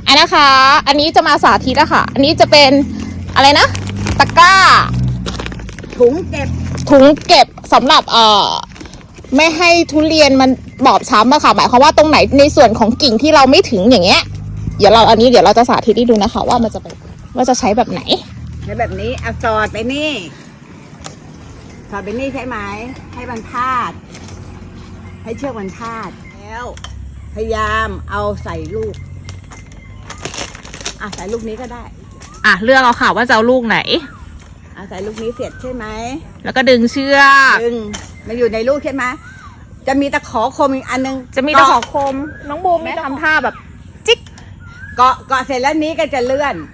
อันนะคะ อันนี้จะมาสาธิตอะค่ะ อันนี้จะเป็นอะไรนะตะกร้าถุงเก็บสำหรับไม่ให้ทุเรียนมันบอบช้ำอะค่ะหมายความว่าตรงไหนในส่วนของกิ่งที่เราไม่ถึงอย่างเงี้ยเดี๋ยวเราจะสาธิตให้ดูนะคะว่ามันจะเป็นว่าจะใช้แบบไหนใช้แบบนี้เอาสอดไปนี่ใช่ไหมให้มันพาดให้เชือกมันพาดแล้วพยายามเอาใส่ลูกใส่ลูกนี้ก็ได้เลือกเอาค่ะว่าจะเอาลูกไหนใส่ลูกนี้เสร็จใช่ไหมแล้วก็ดึงเชือกดึงมาอยู่ในลูกใช่ไหมจะมีตะขอคมอีกอันนึงจะมีตะขอคมน้องบูมไม่ทำท่าแบบจิ๊กเกาะเสร็จแล้วนี้ก็จะเลื่อน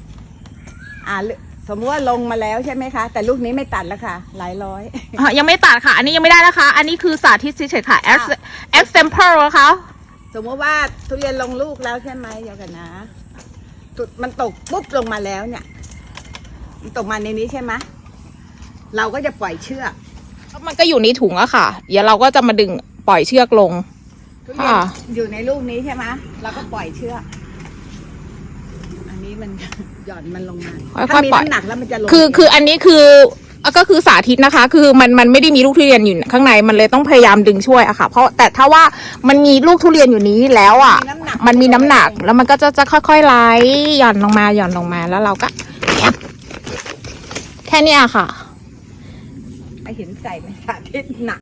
สมมติว่าลงมาแล้วใช่ไหมคะแต่ลูกนี้ไม่ตัดแล้วค่ะหลายร้อยยังไม่ตัดค่ะอันนี้ยังไม่ได้นะคะอันนี้คือสาธิตเฉยๆค่ะ example นะคะสมมติว่าทุเรียนลงลูกแล้วใช่ไหมเดี๋ยวกันนะมันตกปุ๊บลงมาแล้วเนี่ยมันตกมาในนี้ใช่ไหมเราก็จะปล่อยเชือกมันก็อยู่ในถุงอะค่ะเดี๋ยวเราก็จะมาดึงปล่อยเชือกลงทุเรียนอยู่ในลูกนี้ใช่ไหมเราก็ปล่อยเชือกอันนี้มันหย่อนมันลงมาถ้ามีน้ำหนักแล้วมันจะลงคืออันนี้คือก็คือสาธิตนะคะคือมันไม่ได้มีลูกทุเรียนอยู่ข้างในมันเลยต้องพยายามดึงช่วยอะค่ะเพราะแต่ถ้าว่ามันมีลูกทุเรียนอยู่นี้แล้วอะมันมีน้ำหนักแล้วมันก็จะค่อยๆไหลหย่อนลงมาแล้วเราก็แค่นี้ค่ะไอเห็นใส่ในสาธิตหนัก